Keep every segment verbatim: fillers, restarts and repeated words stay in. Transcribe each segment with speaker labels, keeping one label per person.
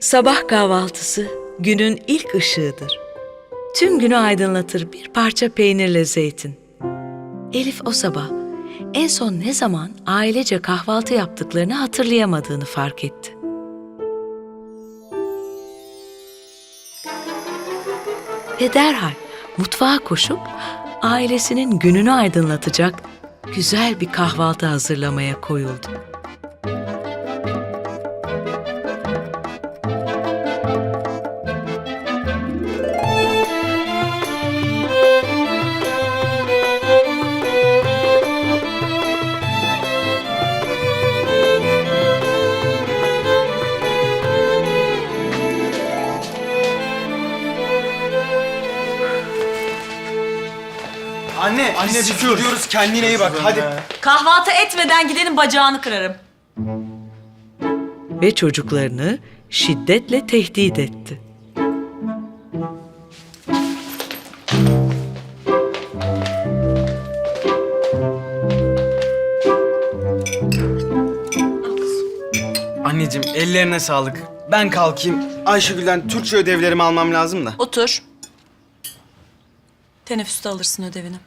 Speaker 1: Sabah kahvaltısı günün ilk ışığıdır. Tüm günü aydınlatır bir parça peynirle zeytin. Elif o sabah en son ne zaman ailece kahvaltı yaptıklarını hatırlayamadığını fark etti. Ve derhal mutfağa koşup ailesinin gününü aydınlatacak güzel bir kahvaltı hazırlamaya koyuldu.
Speaker 2: Anne, anne biz gidiyoruz. Kendine iyi bak. Hadi.
Speaker 3: Kahvaltı etmeden gidenin bacağını kırarım.
Speaker 1: Ve çocuklarını şiddetle tehdit etti.
Speaker 2: Anneciğim ellerine sağlık. Ben kalkayım. Ayşegül'den Türkçe ödevlerimi almam lazım da.
Speaker 3: Otur. Teneffüste alırsın ödevini.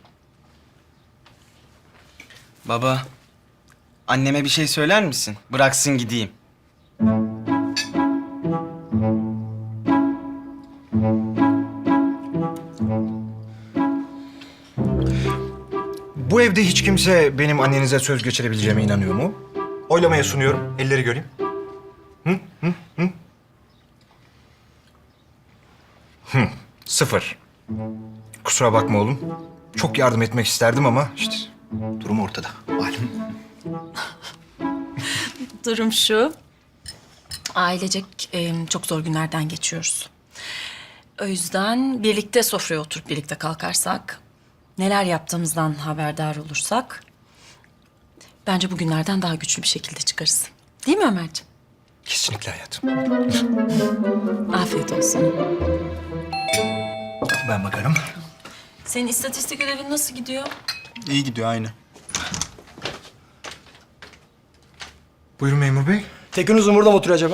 Speaker 2: Baba, anneme bir şey söyler misin? Bıraksın gideyim.
Speaker 4: Bu evde hiç kimse benim annenize söz geçirebileceğime inanıyor mu? Oylamaya sunuyorum. Elleri göreyim. Hı? Hı? Hı? Hı. Sıfır. Kusura bakma oğlum. Çok yardım etmek isterdim ama işte durum ortada. Malum.
Speaker 3: Durum şu. Ailecek e, çok zor günlerden geçiyoruz. O yüzden birlikte sofraya oturup birlikte kalkarsak, neler yaptığımızdan haberdar olursak, bence bugünlerden daha güçlü bir şekilde çıkarız. Değil mi Ömerciğim?
Speaker 4: Kesinlikle hayatım.
Speaker 3: Afiyet olsun.
Speaker 4: Ben bakarım.
Speaker 3: Senin istatistik ödevin nasıl gidiyor?
Speaker 5: İyi gidiyor aynı.
Speaker 4: Buyurun memur bey.
Speaker 5: Tekin Uzun burada mı oturuyor acaba?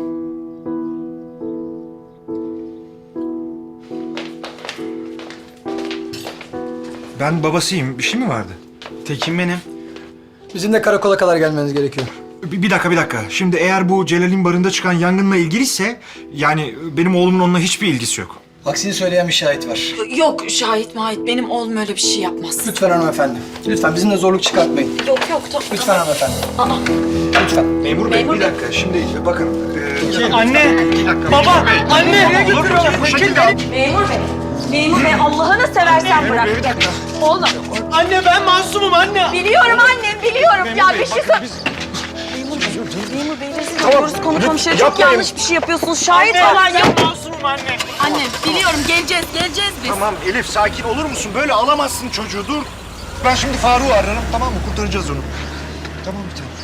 Speaker 4: Ben babasıyım. Bir şey mi vardı?
Speaker 2: Tekin benim.
Speaker 5: Bizim de karakola kadar gelmeniz gerekiyor.
Speaker 4: Bir, bir dakika, bir dakika. Şimdi eğer bu Celal'in barında çıkan yangınla ilgiliyse... ...yani benim oğlumun onunla hiçbir ilgisi yok.
Speaker 5: Aksini söyleyen bir şahit var.
Speaker 3: Yok şahit mahit benim oğlum öyle bir şey yapmaz.
Speaker 5: Lütfen hanımefendi. Lütfen bizimle zorluk çıkartmayın.
Speaker 3: Yok yok tamam.
Speaker 5: Lütfen hanımefendi.
Speaker 3: Aa,
Speaker 5: Lütfen.
Speaker 4: Memur bey,
Speaker 3: Memur
Speaker 4: bir
Speaker 3: bey.
Speaker 4: dakika. Şimdi bakın... e,
Speaker 2: Anne, baba, anne.
Speaker 4: Nereye götürüyorsun? Bu şekilde...
Speaker 3: memur bey. Memur bey Allah'ını seversen bırak.
Speaker 4: Bir dakika.
Speaker 3: Oğlum.
Speaker 2: Anne ben masumum anne.
Speaker 3: Biliyorum annem biliyorum. Ya bir şey sor. Memur bey. Memur bey rezil oluyoruz konu komşuya. Çok
Speaker 4: yapmayın.
Speaker 3: yanlış bir şey yapıyorsunuz. Şahit falan yok.
Speaker 2: Ben masumum anne.
Speaker 3: Anne biliyorum geleceğiz geleceğiz biz.
Speaker 4: Tamam Elif, sakin olur musun? Böyle alamazsın çocuğu, dur. Ben şimdi Faruk'u ararım, tamam mı? Kurtaracağız onu. Tamam bir tanem.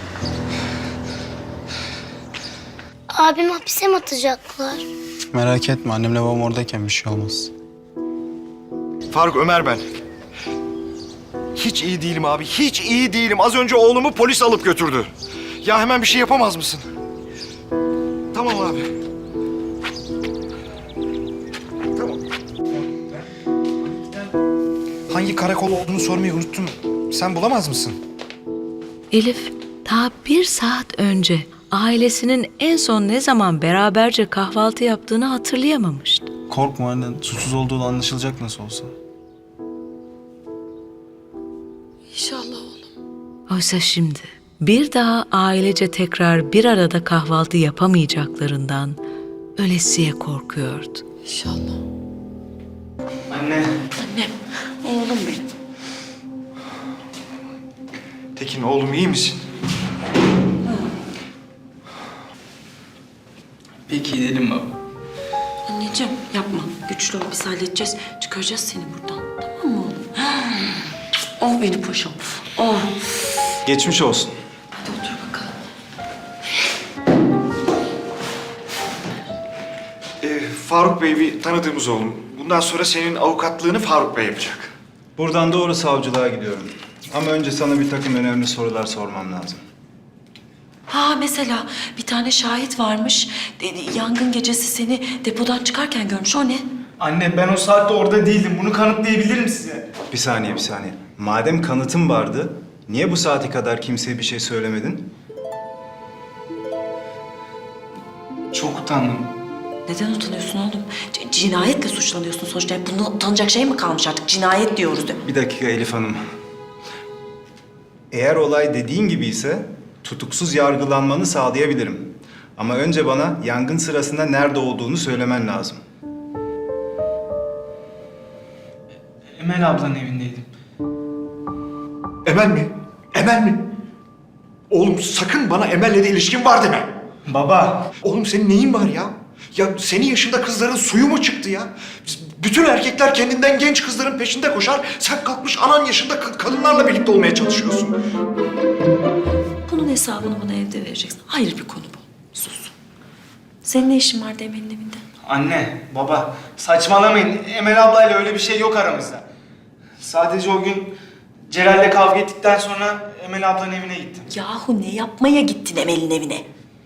Speaker 6: Abim hapise mi atacaklar?
Speaker 7: Merak etme, annemle babam oradayken bir şey olmaz.
Speaker 4: Faruk, Ömer ben. Hiç iyi değilim abi, hiç iyi değilim. Az önce oğlumu polis alıp götürdü. Ya hemen bir şey yapamaz mısın? Tamam abi. Tamam. Hangi karakol olduğunu sormayı unuttum. Sen bulamaz mısın?
Speaker 1: Elif daha bir saat önce ailesinin en son ne zaman beraberce kahvaltı yaptığını hatırlayamamıştı.
Speaker 7: Korkma annen, suçsuz olduğu anlaşılacak nasıl olsa.
Speaker 3: İnşallah oğlum.
Speaker 1: Oysa şimdi bir daha ailece tekrar bir arada kahvaltı yapamayacaklarından ölesiye korkuyordu.
Speaker 3: İnşallah.
Speaker 2: Anne.
Speaker 3: Annem. Oğlum benim.
Speaker 4: Tekin oğlum, iyi misin?
Speaker 7: Peki gidelim baba.
Speaker 3: Anneciğim yapma. Güçlü ol biz halledeceğiz. Çıkaracağız seni buradan. Tamam mı oğlum? Oh benim paşam. Oh.
Speaker 7: Geçmiş olsun.
Speaker 3: Hadi otur bakalım.
Speaker 4: Ee, Faruk Bey bir tanıdığımız oğlum. Bundan sonra senin avukatlığını Faruk Bey yapacak.
Speaker 8: Buradan doğru savcılığa gidiyorum. Ama önce sana bir takım önemli sorular sormam lazım.
Speaker 3: Ha mesela bir tane şahit varmış. De- Yangın gecesi seni depodan çıkarken görmüş. O ne?
Speaker 8: Anne ben o saatte orada değildim. Bunu kanıtlayabilirim size.
Speaker 7: Bir saniye, bir saniye. Madem kanıtın vardı, niye bu saate kadar kimseye bir şey söylemedin?
Speaker 8: Çok utandım.
Speaker 3: Neden utanıyorsun oğlum? C- cinayetle suçlanıyorsun sonuçta. Yani bunda utanacak şey mi kalmış artık? Cinayet diyoruz de.
Speaker 7: Bir dakika Elif Hanım. Eğer olay dediğin gibi ise tutuksuz yargılanmanı sağlayabilirim. Ama önce bana yangın sırasında nerede olduğunu söylemen lazım.
Speaker 8: Emel ablanın evindeydim.
Speaker 4: Emel mi? Emel mi? Oğlum sakın bana Emel'le de ilişkin var deme.
Speaker 8: Baba.
Speaker 4: Oğlum senin neyin var ya? Ya senin yaşında kızların suyu mu çıktı ya? Bütün erkekler kendinden genç kızların peşinde koşar. Sen kalkmış anan yaşında ka- kadınlarla birlikte olmaya çalışıyorsun.
Speaker 3: Bunun hesabını bana evde vereceksin. Ayrı bir konu bu. Sus. Senin ne işin vardı Emel'in evinde?
Speaker 8: Anne, baba saçmalamayın. Emel ablayla öyle bir şey yok aramızda. Sadece o gün Celal'le kavga ettikten sonra Emel ablanın evine gittim.
Speaker 3: Yahu ne yapmaya gittin Emel'in evine?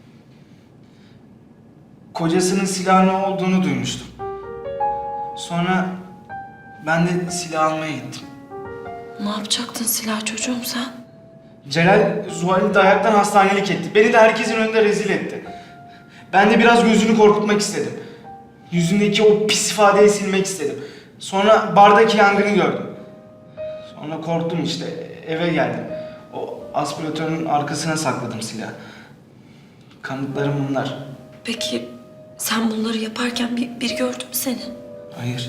Speaker 8: Kocasının silahın olduğunu duymuştum. Sonra ben de silah almaya gittim.
Speaker 3: Ne yapacaktın silah çocuğum sen?
Speaker 8: Celal Zuhal'i de ayaktan hastanelik etti. Beni de herkesin önünde rezil etti. Ben de biraz gözünü korkutmak istedim. Yüzündeki o pis ifadeyi silmek istedim. Sonra bardaki yangını gördüm. Sonra korktum işte. Eve geldim. O aspiratörün arkasına sakladım silahı. Kanıtlarım bunlar.
Speaker 3: Peki sen bunları yaparken bir, bir gördü mü seni?
Speaker 8: Hayır.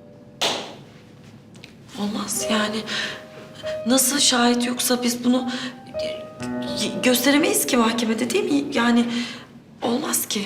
Speaker 3: Olmaz yani. Nasıl şahit yoksa biz bunu e, gösteremeyiz ki mahkemede değil mi? Yani olmaz ki.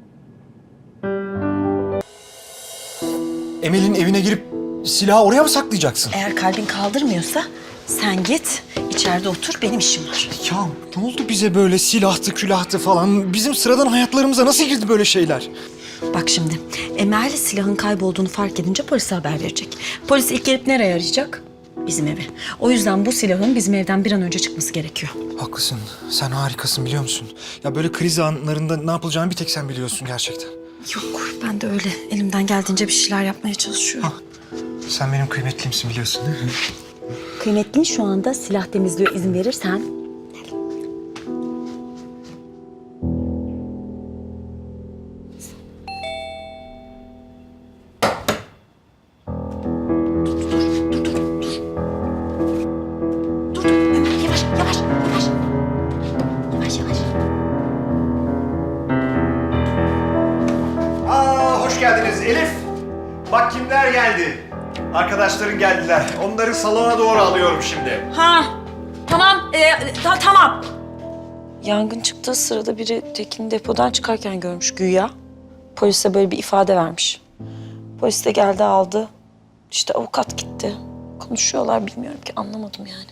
Speaker 4: Emel'in evine girip silahı oraya mı saklayacaksın?
Speaker 3: Eğer kalbin kaldırmıyorsa sen git içeride otur benim işim var.
Speaker 4: Ya ne oldu bize böyle silahtı külahtı falan? Bizim sıradan hayatlarımıza nasıl girdi böyle şeyler?
Speaker 3: Bak şimdi Emel silahın kaybolduğunu fark edince polise haber verecek. Polis ilk gelip nereye arayacak? Bizim evi. O yüzden bu silahın bizim evden bir an önce çıkması gerekiyor.
Speaker 4: Haklısın. Sen harikasın biliyor musun? Ya böyle kriz anlarında ne yapılacağını bir tek sen biliyorsun gerçekten.
Speaker 3: Yok ben de öyle elimden geldiğince bir şeyler yapmaya çalışıyorum.
Speaker 4: Sen benim kıymetlimsin biliyorsun değil mi?
Speaker 3: Kıymetlin şu anda silah temizliyor izin verirsen. Dur dur Ömer yavaş yavaş yavaş. Yavaş yavaş.
Speaker 4: Aa hoş geldiniz Elif. Bak kimler geldi. Arkadaşların geldiler. Onları salona doğru alıyorum şimdi.
Speaker 3: Ha tamam ee, ta- tamam. Yangın çıktığı sırada biri Tekin'i depodan çıkarken görmüş güya. Polise böyle bir ifade vermiş. Polis de geldi aldı. İşte avukat gitti. Konuşuyorlar bilmiyorum ki anlamadım yani.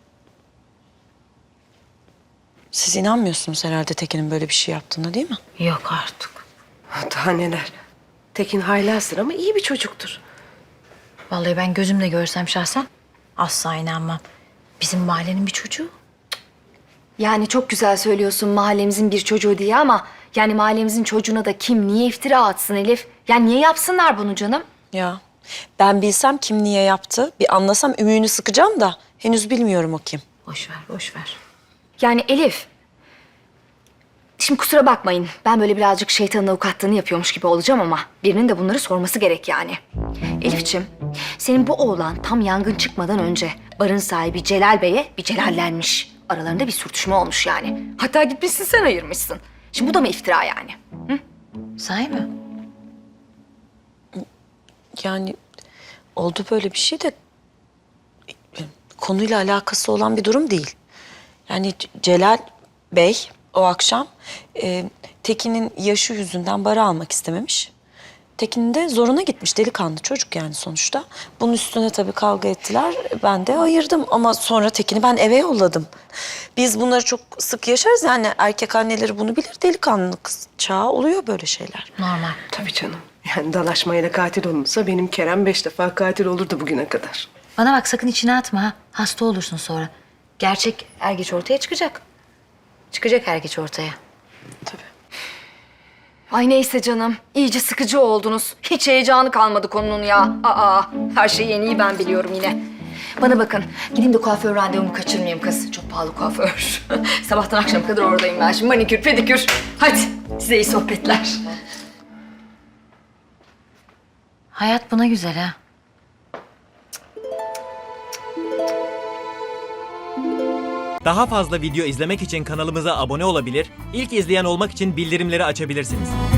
Speaker 3: Siz inanmıyorsunuz herhalde Tekin'in böyle bir şey yaptığına değil mi?
Speaker 9: Yok artık. Daha neler. Tekin haylazdır ama iyi bir çocuktur.
Speaker 10: Vallahi ben gözümle görsem şahsen asla inanmam. Bizim mahallenin bir çocuğu.
Speaker 11: Yani çok güzel söylüyorsun mahallemizin bir çocuğu diye ama... ...yani mahallemizin çocuğuna da kim niye iftira atsın Elif? Yani niye yapsınlar bunu canım?
Speaker 3: Ya ben bilsem kim niye yaptı, bir anlasam ümüğünü sıkacağım da henüz bilmiyorum o kim.
Speaker 10: Boş ver, boş ver.
Speaker 11: Yani Elif... Şimdi kusura bakmayın. Ben böyle birazcık şeytanın avukatlığını yapıyormuş gibi olacağım ama... ...birinin de bunları sorması gerek yani. Elifçim, senin bu oğlan tam yangın çıkmadan önce... ...barın sahibi Celal Bey'e bir celallenmiş. Aralarında bir sürtüşme olmuş yani. Hatta gitmişsin sen ayırmışsın. Şimdi bu da mı iftira yani? Hı?
Speaker 10: Sahi mi?
Speaker 3: Yani oldu böyle bir şey de konuyla alakası olan bir durum değil. Yani C- Celal Bey o akşam e, Tekin'in yaşı yüzünden bara almak istememiş. Tekin de zoruna gitmiş, delikanlı çocuk yani sonuçta. Bunun üstüne tabii kavga ettiler. Ben de ayırdım ama sonra Tekin'i ben eve yolladım. Biz bunları çok sık yaşarız yani erkek anneleri bunu bilir. Delikanlı kız çağı oluyor böyle şeyler.
Speaker 10: Normal.
Speaker 9: Tabii canım. Yani dalaşmayla katil olunsa benim Kerem beş defa katil olurdu bugüne kadar.
Speaker 10: Bana bak sakın içine atma ha. Hasta olursun sonra. Gerçek er geç ortaya çıkacak. Çıkacak her geç ortaya.
Speaker 11: Ay neyse canım. İyice sıkıcı oldunuz. Hiç heyecanı kalmadı konunun ya. Aa, her şeyi en iyi ben biliyorum yine. Bana bakın. Gideyim de kuaför randevumu kaçırmayayım kız. Çok pahalı kuaför. Sabahtan akşama kadar oradayım ben şimdi. Manikür, pedikür. Hadi size iyi sohbetler.
Speaker 10: Hayat buna güzel ha.
Speaker 12: Daha fazla video izlemek için kanalımıza abone olabilir, ilk izleyen olmak için bildirimleri açabilirsiniz.